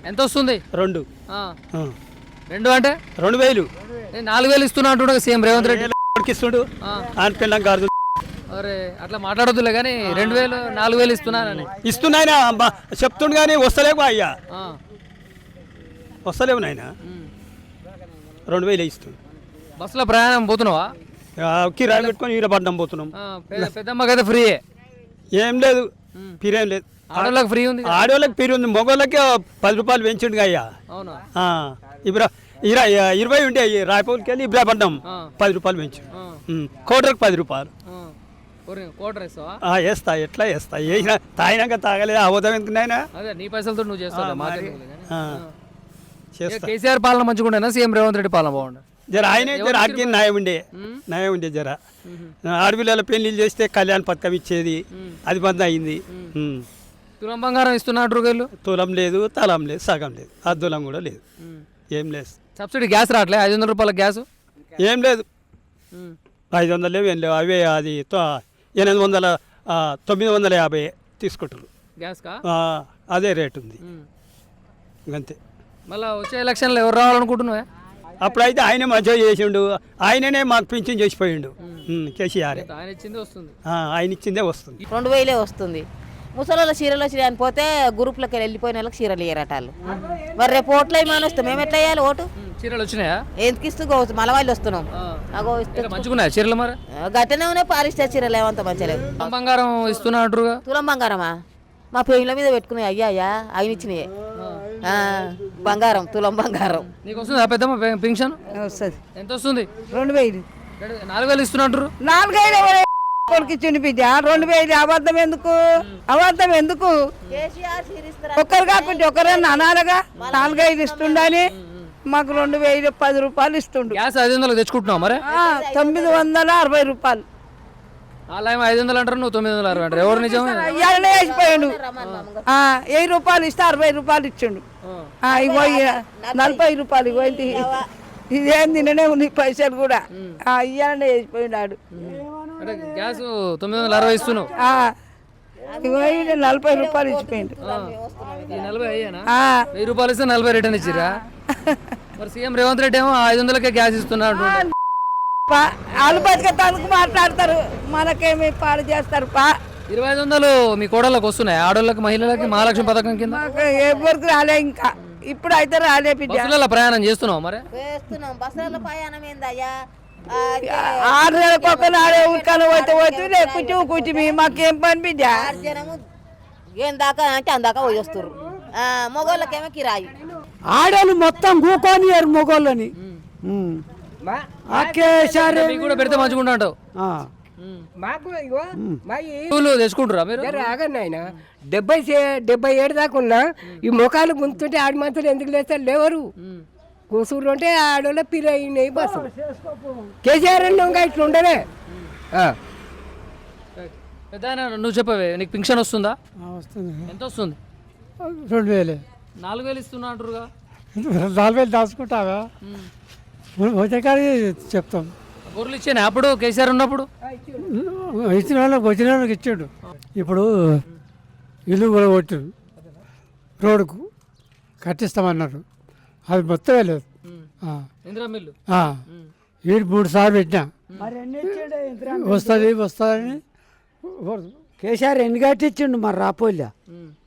ఎంత వస్తుంది? 2 2 అంటే 2000 4,000 ఇస్తున్నా అంటున్నా సీఎం రేవంత్ రెడ్డి. ఇస్తుడు ఆయన పిల్లం కాదు. అరే అట్లా మాట్లాడొద్దులే కానీ 2,000 4,000 ఇస్తున్నానని ఇస్తున్నాయన చెప్తుండు కానీ వస్తలేవు అయ్యా, వస్తలేవు నాయన. 2000 ఇస్తుంది. బస్సులో ప్రయాణం పోతున్నావా? కిరాయి పెట్టుకొని ఈరపడ్డం పోతున్నాం. పెద్దమ్మకైతే ఫ్రీ? ఏం లేదు, ఫిరేం లేదు. ఆడోళ్ళకి ఫ్రీ ఉంది, ఆడవాళ్ళకి ఫిరి ఉంది. మగవాళ్ళకి 10 రూపాయలు పెంచుండు అయ్యా. అవునా? ఇప్పుడు 20 ఉండే రాయపూర్కి వెళ్ళి ఇబ్రాపడ్డం 10 రూపాయలు పెంచు. కోటర్కి 10 రూపాయలు వేస్తా. ఎట్లా వేస్తా? వేసిన తాగినాక తాగలేదు అవధం ఎందుకున్నాయినా. అదే నీ పైసలతో నువ్వు చేస్తావు. కేసీఆర్ పాలన మంచిగా ఉండేనా సీఎం రేవంత్ రెడ్డి పాలన బాగుండే? జర ఆయనే జర ఆగ్యం న్యాయం ఉండే జర. ఆడపిల్లల పెళ్లిళ్ళు చేస్తే కళ్యాణ పథకం ఇచ్చేది, అది బంద్ అయింది. తులం బంగారం ఇస్తున్నట్టు వీళ్ళు? తులం లేదు, తలం లేదు, సగం లేదు, అద్దులం కూడా లేదు, ఏం లేదు. సబ్సిడీ గ్యాస్ రావట్లే? 500 రూపాయల గ్యాస్ ఏం లేదు. 500 లేవు, ఏం లేవు. అవే అది 800 950 తీసుకుంటారు గ్యాస్ కా? అదే రేటు ఉంది అంతే. మళ్ళీ వచ్చే ఎలక్షన్లో ఎవరు రావాలనుకుంటున్నావా? అప్పుడైతే ఆయనే మంచిగా చేసిండు, ఆయననే మాకు పింఛన్ చేసిపోయిండు. కేసీఆర్ ఆయన ఇచ్చిందే వస్తుంది. ఆయన ఇచ్చిందే వస్తుంది. 2000 వస్తుంది. ముసలి చీరలు వచ్చి అని పోతే గ్రూప్లోకి వెళ్ళిపోయిన వాళ్ళకి చీరలు ఇయ్యరట వాళ్ళు. మరి రేపు ఓట్లు ఏమైనా వస్తాం, మేము ఎట్లా వేయాలి ఓటు? చీరలు వచ్చినాయా? ఎందుకు ఇస్తూ మళ్ళీ వాళ్ళు వస్తున్నాం. మంచిగున్నాయి చీరలు మరి? గట్టనే ఉన్నాయి, పాలిస్టర్ చీరలు ఏమంత మంచిగా లేవు. తులం బంగారం ఇస్తున్నా అంటారుగా? తులం బంగారమా? మా పెళ్ళ మీద పెట్టుకున్నాయి అయ్యా, ఆయన ఇచ్చినాయి బంగారం, తులం బంగారం. నీకు వస్తుంది పెద్దమ్మ పెన్షన్? వస్తుంది. ఎంత వస్తుంది? 2000. 4,000 ఇస్తున్నట్టు. 4,000 కొడుకు ఇచ్చిండు బిడ్డ. 2000 అబద్ధం ఎందుకు? అబద్ధం ఎందుకు? ఒక్కరు కాకుండా ఒకరన్నా అనాలగా 4,000 ఇస్తుండని. మాకు 2000 10 రూపాయలు ఇస్తుండు. గ్యాస్ 500 తెచ్చుకుంటున్నావు మరి? 960 రూపాయలు. అలా 500 అంటారు, నువ్వు 960 అంటారు. ఎవరు నిజం? ఇయ్యాలనే వేసిపోయాడు. 1000 రూపాయలు ఇస్తే 60 రూపాయలు ఇచ్చిండు. ఇగో 40 రూపాయలు. ఇగో ఇదేం తిననే ఉంది పైసలు కూడా. ఇయ్యాలనే వేసిపోయినాడు. గ్యాస్ 960 ఇస్తున్నావు. ఇగో 40 రూపాయలు ఇచ్చిపోయిండు. 1000 రూపాయలు ఇస్తే 40 రిటర్న్ ఇచ్చిరా? మరి సీఎం రేవంత్ రెడ్డి ఏమో 500కే గ్యాస్ ఇస్తున్నాడు. వాళ్ళు బతికేందుకు మాట్లాడతారు, మనకేమి పాలు చేస్తారు. 2500 మీ కోడళ్ళకి వస్తున్నాయి, ఆడోళ్ళకి మహిళలకి మహాలక్ష్మి పథకం కింద? ఎవరికి రాలే ఇంకా, ఇప్పుడు అయితే రాలే. బస్సులలో ప్రయాణం చేస్తున్నావు మరి? బస్సులలో ప్రయాణం ఏందయ్యా? 6 నెలలకు ఒక నాడే ఊరికలు పోతే కూర్చుమి మాకేం పని బిడ్డ. ఏం దాకా అంటే అందాక పోయి వస్తారు. మొగోళ్ళకేమో కిరాయి. ఆడోళ్ళు మొత్తం కూకోనియారు మొగోళ్ళని. కూడా పెడితే మంచిగా అంటావు. తెచ్చుకుంటారా మీరు? ఆగన్నాయన 77 దాకా ఉన్నా ఈ ముఖాలు గుంతుంటే ఆడి మంతులు ఎందుకు లేస్తారు? లేవరు కూసురు అంటే ఆడోళ్ళ పిరయినాయి బస్సు. కేసీఆర్ ఇంకా ఇట్లా ఉండనే. పెద్ద నువ్వు చెప్పవే, నీకు పింఛన్ వస్తుందా? వస్తుంది. ఎంత వస్తుంది? 2000. 4,000 ఇస్తున్నా అంటారుగా? 4,000 దాచుకుంటావా? వచ్చే కాడి చెప్తాం. గొర్రెలు ఇచ్చాను అప్పుడు కేసీఆర్ ఉన్నప్పుడు? ఇచ్చిన వాళ్ళకి వచ్చిన వాళ్ళకి ఇచ్చాడు. ఇప్పుడు ఇల్లు కూడా కొట్టారు, రోడ్డుకు కట్టిస్తామన్నారు. అది మొత్తం లేదు. వీడు 3 సార్లు పెట్టినా వస్తుంది వస్తుందని. కేసీఆర్ ఎన్ని కట్టించిండు మరి రాపోలే.